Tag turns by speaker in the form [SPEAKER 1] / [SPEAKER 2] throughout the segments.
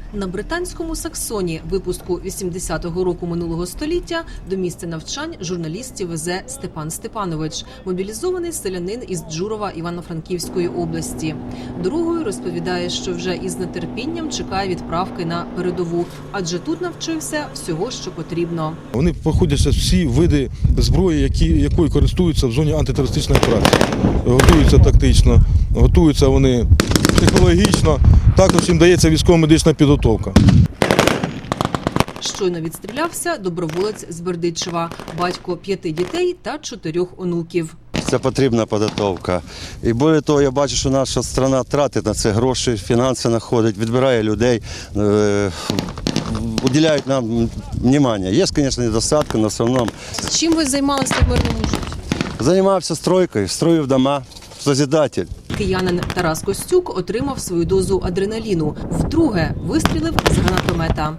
[SPEAKER 1] На британському Саксоні випуску 80-го року минулого століття до місця навчань журналістів везе Степан Степанович, мобілізований селянин із Джурова Івано-Франківської області. Дорогою розповідає, що вже із нетерпінням чекає відправки на передову, адже тут навчився всього, що потрібно.
[SPEAKER 2] Вони проходять всі види зброї, якою користуються в зоні антитерористичної операції. Готуються тактично, готуються вони психологічно, також їм дається військово-медична підготовка.
[SPEAKER 1] Щойно відстрілявся доброволець з Бердичева, батько 5 дітей та 4 онуків.
[SPEAKER 3] Це потрібна підготовка. І більше того, я бачу, що наша країна тратить на це гроші, фінанси знаходить, відбирає людей, уділяють нам увагу. Є, звісно, недостатки, але в основному.
[SPEAKER 1] Чим ви займалися в мирному житті?
[SPEAKER 3] Займався стройкою, строїв дома, созидатель.
[SPEAKER 1] Киянин Тарас Костюк отримав свою дозу адреналіну. Вдруге вистрілив з гранатомета.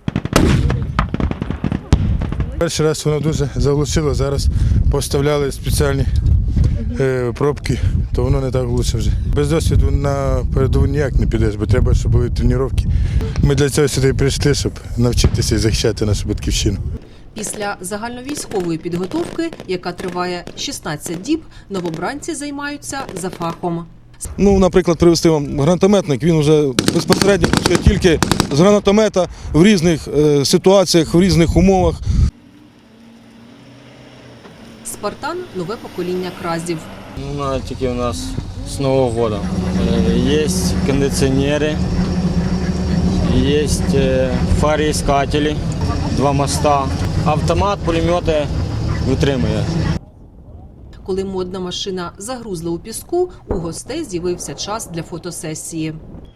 [SPEAKER 2] Перший раз воно дуже заглушило, зараз поставляли спеціальні пробки, то воно не так глуше вже. Без досвіду на передову ніяк не підеш, бо треба, щоб були тренування. Ми для цього сюди прийшли, щоб навчитися і захищати нашу батьківщину.
[SPEAKER 1] Після загальновійськової підготовки, яка триває 16 діб, новобранці займаються за фахом.
[SPEAKER 2] Наприклад, привезти вам гранатометник, він вже безпосередньо працює тільки з гранатомета в різних ситуаціях, в різних умовах.
[SPEAKER 1] «Спартан» – нове покоління кразів.
[SPEAKER 4] Тільки у нас з Нового року. Є кондиціонери, є фароіскателі, 2 моста, автомат, пулемети витримує.
[SPEAKER 1] Коли модна машина загрузла у піску, у гостей з'явився час для фотосесії.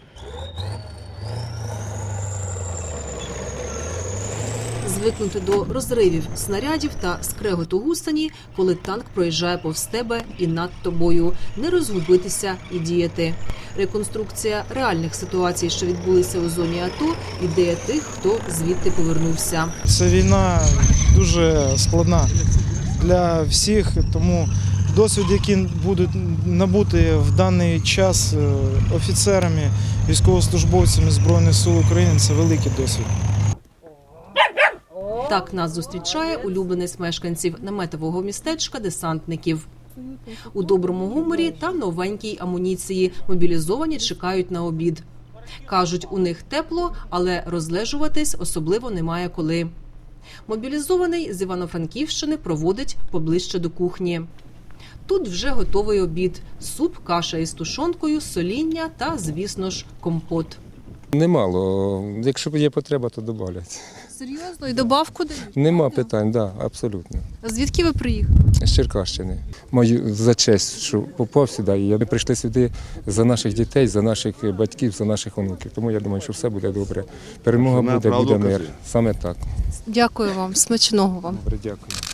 [SPEAKER 1] Звикнути до розривів снарядів та скреготу гусені, коли танк проїжджає повз тебе і над тобою. Не розгубитися і діяти. Реконструкція реальних ситуацій, що відбулися у зоні АТО, ідея тих, хто звідти повернувся.
[SPEAKER 5] Ця війна дуже складна для всіх, тому досвід, який будуть набути в даний час офіцерами, військовослужбовцями Збройних сил України, це великий досвід.
[SPEAKER 1] Так нас зустрічає улюбленець мешканців наметового містечка десантників. У доброму гуморі та новенькій амуніції мобілізовані чекають на обід. Кажуть, у них тепло, але розлежуватись особливо немає коли. Мобілізований з Івано-Франківщини проводить поближче до кухні. Тут вже готовий обід – суп, каша із тушонкою, соління та, звісно ж, компот.
[SPEAKER 6] Немало. Якщо є потреба, то добавлять.
[SPEAKER 1] Серйозно? І добавку дають?
[SPEAKER 6] Нема питань, так, абсолютно.
[SPEAKER 1] Звідки ви приїхали?
[SPEAKER 6] З Черкащини. Маю за честь, що попав сюди. І ми прийшли сюди за наших дітей, за наших батьків, за наших онуків. Тому я думаю, що все буде добре. Перемога буде, буде мир. Саме так.
[SPEAKER 1] Дякую вам. Смачного вам.
[SPEAKER 6] Добре, дякую.